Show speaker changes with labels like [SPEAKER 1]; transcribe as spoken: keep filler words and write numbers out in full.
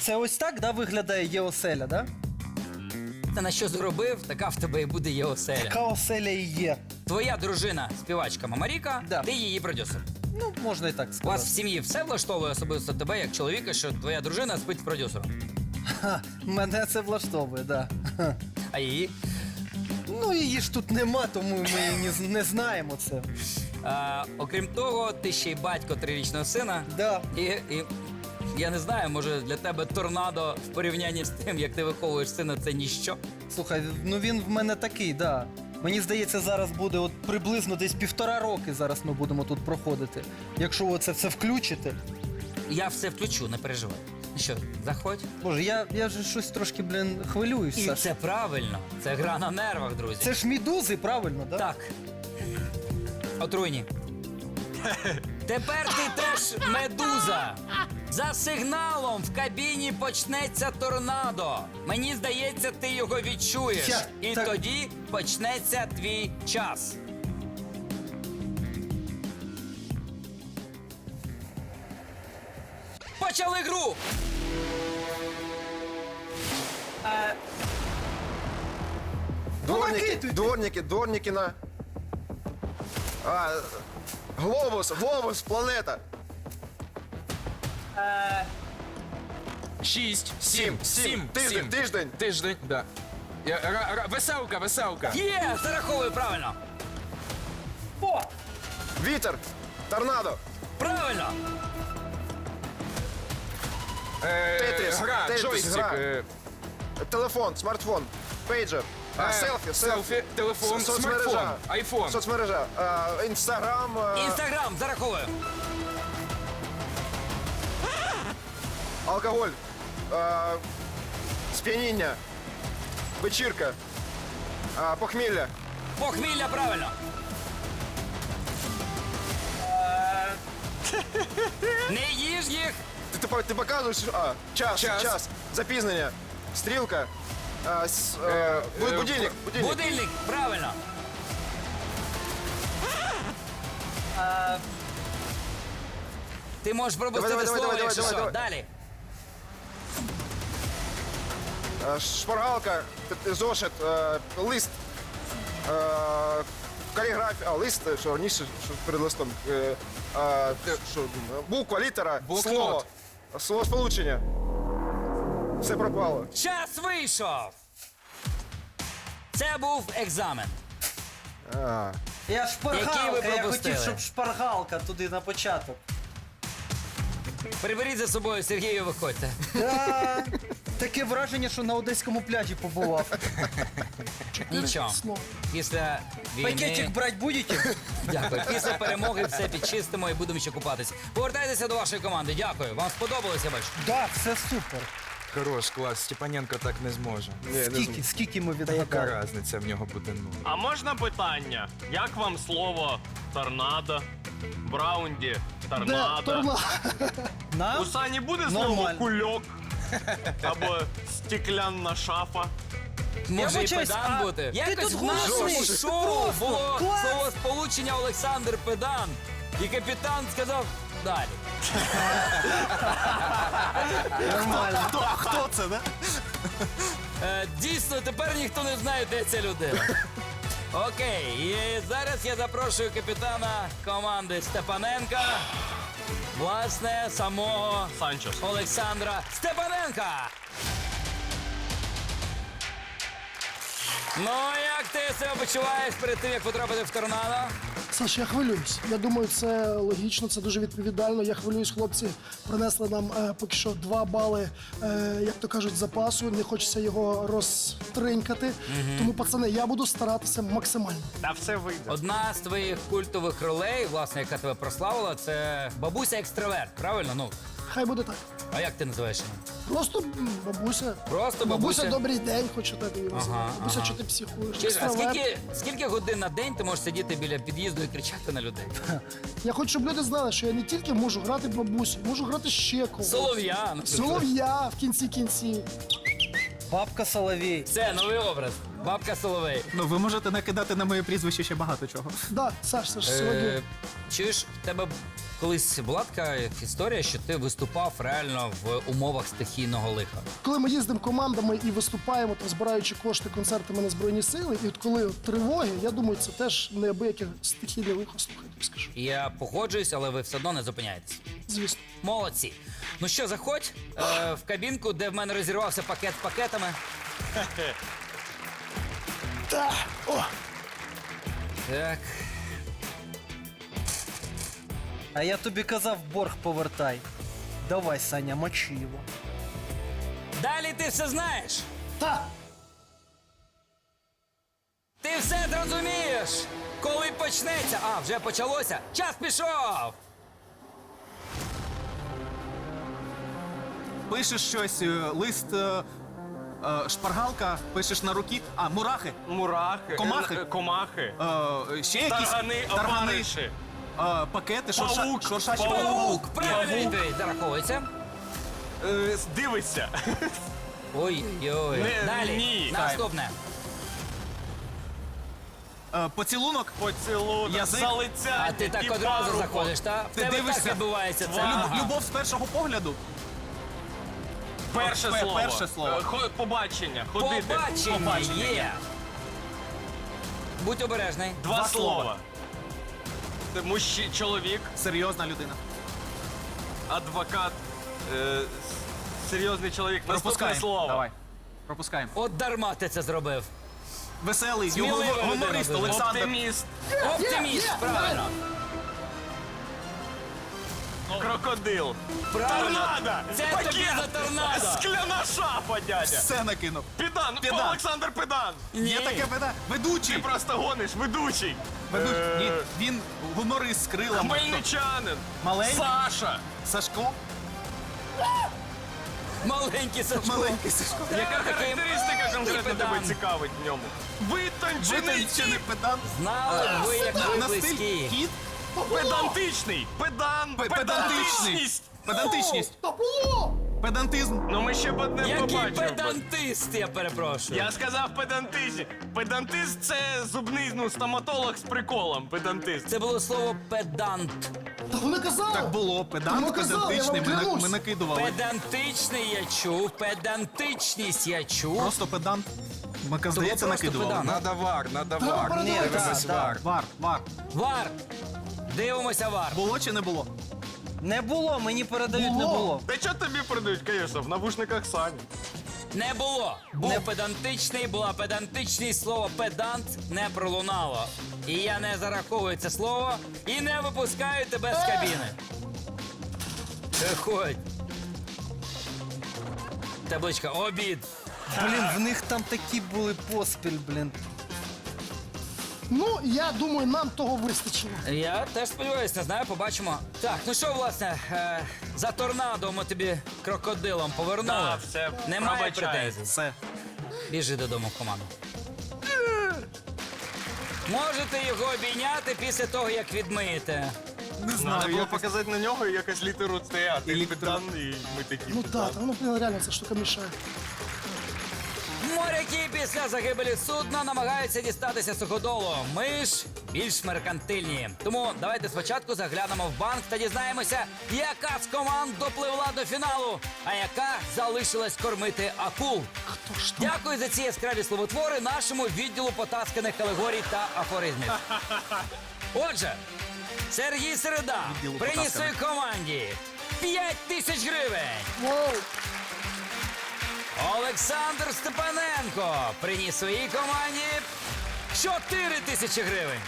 [SPEAKER 1] це ось так, да, виглядає є оселя, да?
[SPEAKER 2] Та на що зробив, така в тебе і буде є оселя.
[SPEAKER 1] Така оселя і є.
[SPEAKER 2] Твоя дружина, співачка Мамаріка,
[SPEAKER 1] Да.
[SPEAKER 2] ти її продюсер.
[SPEAKER 1] Ну, можна і так
[SPEAKER 2] У вас
[SPEAKER 1] сказати.
[SPEAKER 2] в сім'ї все влаштовує особисто тебе, як чоловіка, що твоя дружина спить з продюсером.
[SPEAKER 1] Ха, мене це влаштовує, да. Ха.
[SPEAKER 2] А її?
[SPEAKER 1] Ну, її ж тут нема, тому ми і не, не знаємо це.
[SPEAKER 2] А, окрім того, ти ще й батько трирічного сина.
[SPEAKER 1] Да.
[SPEAKER 2] І, і я не знаю, може для тебе торнадо в порівнянні з тим, як ти виховуєш сина, це ніщо.
[SPEAKER 1] Слухай, ну він в мене такий, да. Мені здається, зараз буде от приблизно десь півтора роки зараз ми будемо тут проходити. Якщо ви це все включите.
[SPEAKER 2] Я все включу, не переживай. Ну що, заходь.
[SPEAKER 1] Боже, я, я вже щось трошки, блін, хвилююсь,
[SPEAKER 2] І
[SPEAKER 1] Саш.
[SPEAKER 2] це правильно. Це гра на нервах, друзі.
[SPEAKER 1] Це ж мідузи, правильно, да?
[SPEAKER 2] Так. Отруйні. Тепер ти теж медуза. За сигналом в кабіні почнеться торнадо. Мені здається, ти його відчуєш.
[SPEAKER 1] Я-
[SPEAKER 2] І
[SPEAKER 1] так-
[SPEAKER 2] тоді почнеться твій час. Почали гру!
[SPEAKER 1] накидуйте.
[SPEAKER 3] Дворники, дворники, дворники на... А, глобус, глобус, планета.
[SPEAKER 4] Шість,
[SPEAKER 3] Сім,
[SPEAKER 4] сім,
[SPEAKER 3] сім.
[SPEAKER 4] сім,
[SPEAKER 3] Тиждень,
[SPEAKER 4] сім.
[SPEAKER 3] тиждень.
[SPEAKER 4] Тиждень, да. Я- ра- ра- Веселка, веселка.
[SPEAKER 2] Є! Зараховую правильно!
[SPEAKER 1] О!
[SPEAKER 3] Вітер, торнадо,
[SPEAKER 2] Правильно!
[SPEAKER 4] Е,
[SPEAKER 3] Тетріс,
[SPEAKER 4] Гра,
[SPEAKER 3] Тетріс,
[SPEAKER 4] джойстик.
[SPEAKER 3] гра.
[SPEAKER 4] е,
[SPEAKER 3] телефон, смартфон, пейджер, а,
[SPEAKER 4] е,
[SPEAKER 3] селфі,
[SPEAKER 4] селфі, телефон,
[SPEAKER 3] Со-
[SPEAKER 4] смартфон, айфон.
[SPEAKER 3] Соцмережа, а, інстаграм, а,
[SPEAKER 2] Інстаграм, зараховую.
[SPEAKER 3] алкоголь, а, сп'яніння, вечірка, а, похмілля,
[SPEAKER 2] Похмілля, правильно. Не їж їх.
[SPEAKER 3] Ти, ти, по- ти показуєш, а, час,
[SPEAKER 4] Час.
[SPEAKER 3] час, запізнення, стрілка, а, с, а,
[SPEAKER 4] Е,
[SPEAKER 3] бу-
[SPEAKER 4] е,
[SPEAKER 3] будильник, будильник.
[SPEAKER 2] Будильник, правильно. Ти можеш пропустити
[SPEAKER 3] Давай, давай,
[SPEAKER 2] слово,
[SPEAKER 3] давай,
[SPEAKER 2] якщо
[SPEAKER 3] давай,
[SPEAKER 2] що.
[SPEAKER 3] давай.
[SPEAKER 2] Далі.
[SPEAKER 3] А, шпаргалка, т- т- зошит, а, лист, а, каліграфія, а, лист, що раніше, що перед листом, е, а, що, буква, літера,
[SPEAKER 4] Блокнот.
[SPEAKER 3] слово, словосполучення. Все пропало.
[SPEAKER 2] Час вийшов. Це був екзамен.
[SPEAKER 3] А.
[SPEAKER 1] Я
[SPEAKER 2] Який ви
[SPEAKER 1] шпаргалка, я
[SPEAKER 2] пропустили?
[SPEAKER 1] хотів, щоб шпаргалка туди на початок.
[SPEAKER 2] Приберіть за собою Сергію, виходьте.
[SPEAKER 1] Да. Таке враження, що на одеському пляжі побував.
[SPEAKER 2] Нічого. Після
[SPEAKER 1] Пакетик
[SPEAKER 2] війни...
[SPEAKER 1] брати будете?
[SPEAKER 2] Дякую. Після перемоги все підчистимо і будемо ще купатися. Повертайтеся до вашої команди. Дякую. Вам сподобалося, бачу?
[SPEAKER 1] Так, все супер.
[SPEAKER 4] Хорош, клас, Степаненко так не зможе.
[SPEAKER 3] Ні, не
[SPEAKER 1] Скільки, скільки ми
[SPEAKER 4] Яка
[SPEAKER 1] відгадали?
[SPEAKER 4] різниця в нього буде нуль?
[SPEAKER 5] А можна питання? Як вам слово торнадо? Браунді торнадо.
[SPEAKER 1] Нам?
[SPEAKER 5] У Сані буде слово
[SPEAKER 1] Нормально.
[SPEAKER 5] кульок? Або стеклянна шафа?
[SPEAKER 2] Може і
[SPEAKER 1] вибачаюсь,
[SPEAKER 2] педан
[SPEAKER 1] а
[SPEAKER 2] бути.
[SPEAKER 1] ти
[SPEAKER 2] Якось
[SPEAKER 1] тут
[SPEAKER 2] в нашому
[SPEAKER 1] голосний.
[SPEAKER 2] шоу
[SPEAKER 1] Просто
[SPEAKER 2] було
[SPEAKER 1] клас.
[SPEAKER 2] слово сполучення Олександр Педан. І капітан сказав далі.
[SPEAKER 1] Нормально.
[SPEAKER 6] Хто це, да?
[SPEAKER 2] Е, дійсно, тепер ніхто не знає, де ця людина. Окей, і зараз я запрошую капітана команди Степаненка, власне, самого
[SPEAKER 5] Санчес.
[SPEAKER 2] Олександра Степаненка. Ну, як ти себе почуваєш перед тим, як потрапити в торнадо?
[SPEAKER 6] Саш, я хвилююсь. Я думаю, це логічно, це дуже відповідально. Я хвилююсь, хлопці принесли нам е, поки що два бали, е, як то кажуть, запасу. Не хочеться його розтринькати. Тому, пацани, я буду старатися максимально.
[SPEAKER 5] Та все вийде.
[SPEAKER 2] Одна з твоїх культових ролей, власне, яка тебе прославила, це бабуся екстраверт, правильно? Ну,
[SPEAKER 6] Хай буде так.
[SPEAKER 2] а як ти називаєш її?
[SPEAKER 6] Просто м, бабуся.
[SPEAKER 2] Просто
[SPEAKER 6] Бабуся,
[SPEAKER 2] бабуся.
[SPEAKER 6] добрий день, хочу так її назвати.
[SPEAKER 2] Ага,
[SPEAKER 6] Бабуся,
[SPEAKER 2] ага.
[SPEAKER 6] що ти психуєш?
[SPEAKER 2] Чи- А
[SPEAKER 6] Екстраверт.
[SPEAKER 2] скільки, скільки годин на день ти можеш сидіти біля під'їзду і кричати на людей?
[SPEAKER 6] Я хочу, щоб люди знали, що я не тільки можу грати бабусю, можу грати ще когось.
[SPEAKER 2] Солов'я. наприклад.
[SPEAKER 6] Солов'я в кінці кінці.
[SPEAKER 1] Бабка Соловій.
[SPEAKER 2] Це новий образ. Бабка Соловей.
[SPEAKER 7] Ну, ви можете накидати на моє прізвище ще багато чого.
[SPEAKER 6] Да, Саш, Саш, сьогодні.
[SPEAKER 2] Е, чуєш, в тебе колись була така історія, що ти виступав реально в умовах стихійного лиха.
[SPEAKER 6] Коли ми їздимо командами і виступаємо, там, збираючи кошти концертами на Збройні Сили, і от коли от тривоги, я думаю, це теж неабияке стихійне лихо, слухайте, скажу.
[SPEAKER 2] Я погоджуюсь, але ви все одно не зупиняєтесь.
[SPEAKER 6] Звісно.
[SPEAKER 2] Молодці. Ну що, заходь е, в кабінку, де в мене розірвався пакет з пакетами.
[SPEAKER 6] Та, о,
[SPEAKER 2] Так.
[SPEAKER 1] А я тобі казав, борг повертай. Давай, Саня, мочи його.
[SPEAKER 2] Далі ти все знаєш.
[SPEAKER 6] та.
[SPEAKER 2] Ти все зрозумієш. Коли почнеться. А, вже почалося. Час пішов.
[SPEAKER 7] Пишеш щось, е, лист, е, е, шпаргалка, пишеш на руки. А, мурахи.
[SPEAKER 5] Мурахи.
[SPEAKER 7] Комахи?
[SPEAKER 5] е, Комахи.
[SPEAKER 7] Е, ще якісь
[SPEAKER 5] Таргани,
[SPEAKER 7] таргани,
[SPEAKER 5] опариші.
[SPEAKER 7] е, пакети, шурша,
[SPEAKER 5] Павук,
[SPEAKER 7] шуршачі
[SPEAKER 5] павук.
[SPEAKER 2] Паук, правильно відповідь. Зараховується.
[SPEAKER 5] Е, Дивися.
[SPEAKER 2] Ой-ой.
[SPEAKER 5] Не,
[SPEAKER 2] Далі.
[SPEAKER 5] ні.
[SPEAKER 2] Наступне.
[SPEAKER 7] Е, поцілунок.
[SPEAKER 5] Поцілунок,
[SPEAKER 7] Язик.
[SPEAKER 5] залицяння,
[SPEAKER 2] А ти так
[SPEAKER 5] і
[SPEAKER 2] одразу
[SPEAKER 5] парубок.
[SPEAKER 2] заходиш, так? В
[SPEAKER 7] Ти
[SPEAKER 2] тебе
[SPEAKER 7] дивишся?
[SPEAKER 2] так відбувається це.
[SPEAKER 7] Люб-
[SPEAKER 2] Ага.
[SPEAKER 7] Любов з першого погляду.
[SPEAKER 5] Перше
[SPEAKER 7] Пе-
[SPEAKER 5] слово.
[SPEAKER 7] перше слово.
[SPEAKER 5] Е, хо- Побачення. Ходити.
[SPEAKER 2] Побачення
[SPEAKER 7] Побачення
[SPEAKER 2] є. Будь обережний.
[SPEAKER 5] Два,
[SPEAKER 7] Два
[SPEAKER 5] слова.
[SPEAKER 7] слова.
[SPEAKER 5] Це мужчина, чоловік,
[SPEAKER 7] Серйозна людина.
[SPEAKER 5] адвокат, е, с- серйозний чоловік. Наступне
[SPEAKER 7] Пропускаємо.
[SPEAKER 5] слово.
[SPEAKER 7] Давай. Пропускаємо.
[SPEAKER 2] От дарма ти це зробив.
[SPEAKER 7] Веселий,
[SPEAKER 2] Смілива
[SPEAKER 7] його
[SPEAKER 2] людина
[SPEAKER 7] гуморист
[SPEAKER 2] дуже.
[SPEAKER 7] Олександр.
[SPEAKER 5] Оптиміст,
[SPEAKER 2] Оптиміст, правильно.
[SPEAKER 5] крокодил.
[SPEAKER 2] Правильно.
[SPEAKER 5] Торнадо!
[SPEAKER 2] Це
[SPEAKER 5] Пакет!
[SPEAKER 2] тобі за торнадо.
[SPEAKER 5] Скляна шапа, дядя!
[SPEAKER 7] Все накинув.
[SPEAKER 5] Підан!
[SPEAKER 7] Підан.
[SPEAKER 5] Олександр Підан!
[SPEAKER 2] Ні.
[SPEAKER 7] Є таке веде. Ведучий.
[SPEAKER 5] Ти просто гониш, ведучий!
[SPEAKER 7] Ведучий.
[SPEAKER 5] Е,
[SPEAKER 7] Ні, він гуморист з крилами.
[SPEAKER 5] Хмельничанин!
[SPEAKER 7] Маленький?
[SPEAKER 5] Саша!
[SPEAKER 7] Сашко.
[SPEAKER 2] Маленький Сашко.
[SPEAKER 7] Маленький Сашко.
[SPEAKER 5] Яка
[SPEAKER 2] Такий
[SPEAKER 5] характеристика конкретно
[SPEAKER 2] педант.
[SPEAKER 5] тебе цікавить в ньому? Витончений
[SPEAKER 7] Витончений
[SPEAKER 5] тип!
[SPEAKER 7] педант.
[SPEAKER 2] Знали б ви, як ви
[SPEAKER 7] На стиль
[SPEAKER 2] близькі.
[SPEAKER 7] кіт.
[SPEAKER 5] Педантичний! Педан!
[SPEAKER 7] Пе- Педантичність. Педантичність.
[SPEAKER 6] Та було!
[SPEAKER 7] Педантизм.
[SPEAKER 5] Ну ми ще б одне
[SPEAKER 2] Який
[SPEAKER 5] побачив. би.
[SPEAKER 2] педантист, я перепрошую.
[SPEAKER 5] Я сказав педантичний. Педантист це зубний, ну, стоматолог з приколом. Педантист.
[SPEAKER 2] Це було слово педант.
[SPEAKER 6] Та вони казали!
[SPEAKER 7] Так було.
[SPEAKER 6] Ну,
[SPEAKER 7] Педант,
[SPEAKER 6] казав, я вам
[SPEAKER 7] педантичний. Ми, на-
[SPEAKER 6] клянусь.
[SPEAKER 7] ми накидували.
[SPEAKER 2] Педантичний я чув, педантичність я чув.
[SPEAKER 7] Просто педант. Ми,
[SPEAKER 2] То
[SPEAKER 7] здається,
[SPEAKER 2] було просто
[SPEAKER 7] накидували.
[SPEAKER 2] педант.
[SPEAKER 4] Надо вар, надо
[SPEAKER 6] Та,
[SPEAKER 4] вар.
[SPEAKER 6] передавай,
[SPEAKER 4] Ні,
[SPEAKER 6] да,
[SPEAKER 4] дивись,
[SPEAKER 1] да.
[SPEAKER 4] вар.
[SPEAKER 7] Вар, вар.
[SPEAKER 2] Вар. Дивимося вар.
[SPEAKER 7] Було чи не було?
[SPEAKER 1] Не було, мені передають, не
[SPEAKER 6] Було.
[SPEAKER 1] було.
[SPEAKER 5] Та що тобі продають, звісно, в навушниках Сані.
[SPEAKER 2] Не було. Був
[SPEAKER 1] Не-
[SPEAKER 2] педантичний, була педантичність, слово педант не пролунало. І я не зараховую це слово і не випускаю тебе з кабіни. Виходь. Табличка обід.
[SPEAKER 1] Блін, в них там такі були поспіль, блін.
[SPEAKER 6] Ну, я думаю, нам того вистачило.
[SPEAKER 2] Я теж сподіваюся, не знаю, побачимо. Так, ну що, власне, е, за торнадо ми тобі крокодилом повернули.
[SPEAKER 5] Так, все,
[SPEAKER 2] Немає
[SPEAKER 5] пробачаю.
[SPEAKER 2] претензій.
[SPEAKER 7] Все.
[SPEAKER 2] Біжи додому в команду. Можете його обійняти після того, як відмиєте.
[SPEAKER 7] Не
[SPEAKER 5] Треба
[SPEAKER 7] знаю.
[SPEAKER 5] було
[SPEAKER 7] Я...
[SPEAKER 5] показати на нього і якось літеру Т, а ти
[SPEAKER 7] І
[SPEAKER 5] педан, і ми такі.
[SPEAKER 6] Ну так, та, ну блін, реально ця штука мішає.
[SPEAKER 2] Моряки після загибелі судна намагаються дістатися суходолу. Ми ж більш меркантильні. Тому давайте спочатку заглянемо в банк та дізнаємося, яка з команд допливла до фіналу, а яка залишилась кормити акул.
[SPEAKER 6] Хто ж там?
[SPEAKER 2] Дякую за ці яскраві словотвори нашому відділу потасканих категорій та афоризмів. Отже, Сергій Середа
[SPEAKER 7] Відділу
[SPEAKER 2] приніс своїй
[SPEAKER 7] потасканих.
[SPEAKER 2] команді п'ять тисяч гривень.
[SPEAKER 6] Воу!
[SPEAKER 2] Олександр Степаненко приніс своїй команді чотири тисячі гривень.